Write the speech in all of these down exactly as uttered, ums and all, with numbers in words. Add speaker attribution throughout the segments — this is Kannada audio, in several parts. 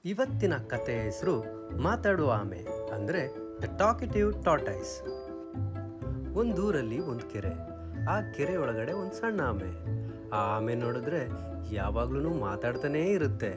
Speaker 1: ಇವತ್ತಿನ ಕಥೆಯ ಹೆಸರು ಮಾತಾಡುವ ಆಮೆ ಅಂದರೆ ದ ಟಾಕಿಟಿವ್ ಟಾರ್ಟೈಸ್. ಒಂದೂರಲ್ಲಿ ಒಂದು ಕೆರೆ. ಆ ಕೆರೆ ಒಳಗಡೆ ಒಂದು ಸಣ್ಣ ಆಮೆ. ಆ ಆಮೆ ನೋಡಿದ್ರೆ ಯಾವಾಗ್ಲೂ ಮಾತಾಡ್ತಾನೇ ಇರುತ್ತೆ.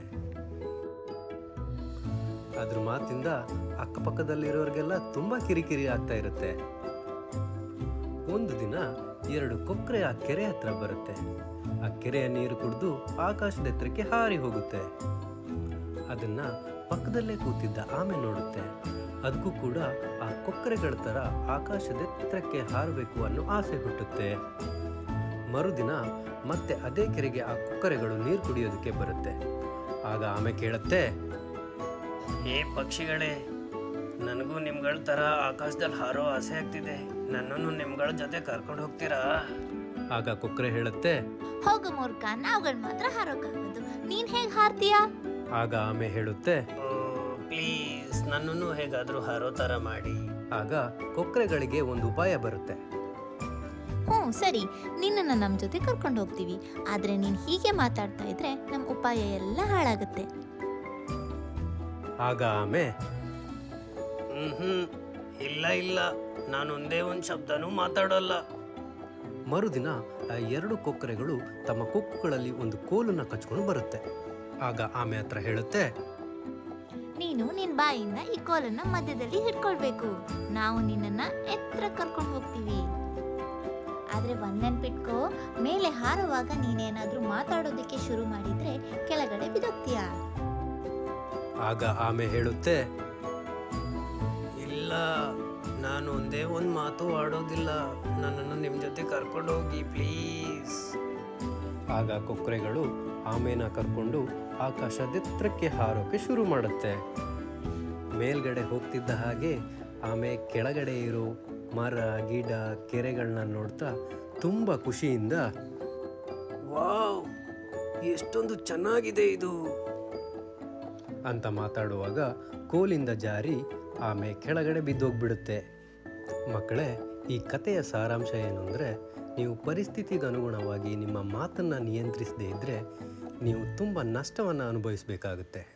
Speaker 1: ಅದ್ರ ಮಾತಿಂದ ಅಕ್ಕಪಕ್ಕದಲ್ಲಿರೋರಿಗೆಲ್ಲ ತುಂಬಾ ಕಿರಿಕಿರಿ ಆಗ್ತಾ ಇರುತ್ತೆ. ಒಂದು ದಿನ ಎರಡು ಕೊಕ್ಕರೆ ಆ ಕೆರೆ ಹತ್ರ ಬರುತ್ತೆ. ಆ ಕೆರೆಯ ನೀರು ಕುಡಿದು ಆಕಾಶದ ಎತ್ತರಕ್ಕೆ ಹಾರಿ ಹೋಗುತ್ತೆ. ಅದನ್ನ ಪಕ್ಕದಲ್ಲೇ ಕೂತಿದ್ದ ಆಮೆ ನೋಡುತ್ತೆ. ಅದಕ್ಕೂ ಕೂಡ ಆ ಕೊಕ್ಕರೆಗಳ ತರ ಆಕಾಶದ ಎತ್ತರಕ್ಕೆ ಹಾರಬೇಕು ಅನ್ನೋ ಆಸೆ ಹುಟ್ಟುತ್ತೆ. ಮರುದಿನ ಮತ್ತೆ ಅದೇ ಕೆರೆಗೆ ಆ ಕೊಕ್ಕರೆಗಳು ನೀರು ಕುಡಿಯೋದಕ್ಕೆ ಬರುತ್ತೆ. ಆಗ ಆಮೆ ಕೇಳುತ್ತೆ,
Speaker 2: ಏ ಪಕ್ಷಿಗಳೇ, ನನಗೂ ನಿಮ್ಗಳ ತರ ಆಕಾಶದಲ್ಲಿ ಹಾರೋ ಆಸೆ ಆಗ್ತಿದೆ. ನನ್ನನ್ನು ನಿಮ್ಗಳ ಜೊತೆ ಕರ್ಕೊಂಡು ಹೋಗ್ತೀರಾ?
Speaker 1: ಆಗ ಕೊಕ್ಕರೆ ಹೇಳುತ್ತೆ,
Speaker 3: ಹೋಗು ಮೂರ್ಖ, ನಾವುಗಳು ಮಾತ್ರ ಹಾರೋಕ್ಕಾಗೋದು, ನೀನ್ ಹೇಗ್ ಹಾರ್ತೀಯಾ?
Speaker 1: ಆಗ ಆಮೆ ಹೇಳುತ್ತೆ,
Speaker 2: ಪ್ಲೀಸ್ ನನ್ನನ್ನು ಹೇಗಾದ್ರೂ ಹಾರೋ ತರ ಮಾಡಿ.
Speaker 1: ಆಗ ಕೊಕ್ಕರೆಗಳಿಗೆ ಒಂದು ಉಪಾಯ ಬರುತ್ತೆ.
Speaker 3: ಹ್ಞೂ ಸರಿ, ನಿನ್ನನ್ನು ನಮ್ಮ ಜೊತೆ ಕರ್ಕೊಂಡು ಹೋಗ್ತೀವಿ. ಆದ್ರೆ ನೀನ್ ಹೀಗೆ ಮಾತಾಡ್ತಾ ಇದ್ರೆ ನಮ್ಮ ಉಪಾಯ ಎಲ್ಲ ಹಾಳಾಗುತ್ತೆ.
Speaker 1: ಆಗ ಆಮೆ,
Speaker 2: ಹ್ಮ್ ಹ್ಮ್ ಇಲ್ಲ ಇಲ್ಲ, ನಾನು ಒಂದೇ ಒಂದ್ ಶಬ್ದನೂ ಮಾತಾಡೋಲ್ಲ.
Speaker 1: ಮರುದಿನ ಆ ಎರಡು ಕೊಕ್ಕರೆಗಳು ತಮ್ಮ ಕೊಕ್ಕುಗಳಲ್ಲಿ ಒಂದು ಕೋಲನ್ನ ಕಚ್ಕೊಂಡು ಬರುತ್ತೆ. ಆಗ ಆಮೆ ಹತ್ರ ಹೇಳುತ್ತೆ,
Speaker 3: ನೀನು ನಿನ್ ಬಾಯಿಂದ ಈ ಕೋಲನ್ನ ಮಧ್ಯದಲ್ಲಿ ಹಿಡ್ಕೊಳ್ಬೇಕು. ನಾವು ನಿನ್ನನ್ನ ಎತ್ತರ ಕರ್ಕೊಂಡು ಹೋಗ್ತೀವಿ. ಆದ್ರೆ ಒಂದ್ ನೆನ್ಪಿಟ್ಕೋ, ಮೇಲೆ ಹಾರುವಾಗ ನೀನೇನಾದ್ರೂ ಮಾತಾಡೋದಕ್ಕೆ ಶುರು ಮಾಡಿದ್ರೆ ಕೆಳಗಡೆ ಬಿದ್ದೋಗ್ತೀಯ.
Speaker 1: ಆಗ ಆಮೆ ಹೇಳುತ್ತೆ,
Speaker 2: ಇಲ್ಲ, ನಾನು ಒಂದೇ ಒಂದ್ ಮಾತು ಆಡೋದಿಲ್ಲ. ನನ್ನನ್ನು ನಿಮ್ ಜೊತೆ ಕರ್ಕೊಂಡು ಹೋಗಿ ಪ್ಲೀಸ್.
Speaker 1: ಆಗ ಕೊಕ್ಕರೆಗಳು ಆಮೆನ ಕರ್ಕೊಂಡು ಆಕಾಶದೆತ್ತರಕ್ಕೆ ಹಾರೋಕೆ ಶುರು ಮಾಡುತ್ತೆ. ಮೇಲ್ಗಡೆ ಹೋಗ್ತಿದ್ದ ಹಾಗೆ ಆಮೆ ಕೆಳಗಡೆ ಇರೋ ಮರ ಗಿಡ ಕೆರೆಗಳನ್ನ ನೋಡ್ತಾ ತುಂಬ ಖುಷಿಯಿಂದ,
Speaker 2: ವಾವ್, ಎಷ್ಟೊಂದು ಚೆನ್ನಾಗಿದೆ ಇದು
Speaker 1: ಅಂತ ಮಾತಾಡುವಾಗ ಕೋಲಿಂದ ಜಾರಿ ಆಮೆ ಕೆಳಗಡೆ ಬಿದ್ದೋಗ್ಬಿಡುತ್ತೆ. ಮಕ್ಕಳೇ, ಈ ಕಥೆಯ ಸಾರಾಂಶ ಏನು ಅಂದರೆ, ನೀವು ಪರಿಸ್ಥಿತಿಗೆ ಅನುಗುಣವಾಗಿ ನಿಮ್ಮ ಮಾತನ್ನು ನಿಯಂತ್ರಿಸದೇ ಇದ್ದರೆ ನೀವು ತುಂಬ ನಷ್ಟವನ್ನು ಅನುಭವಿಸಬೇಕಾಗುತ್ತೆ.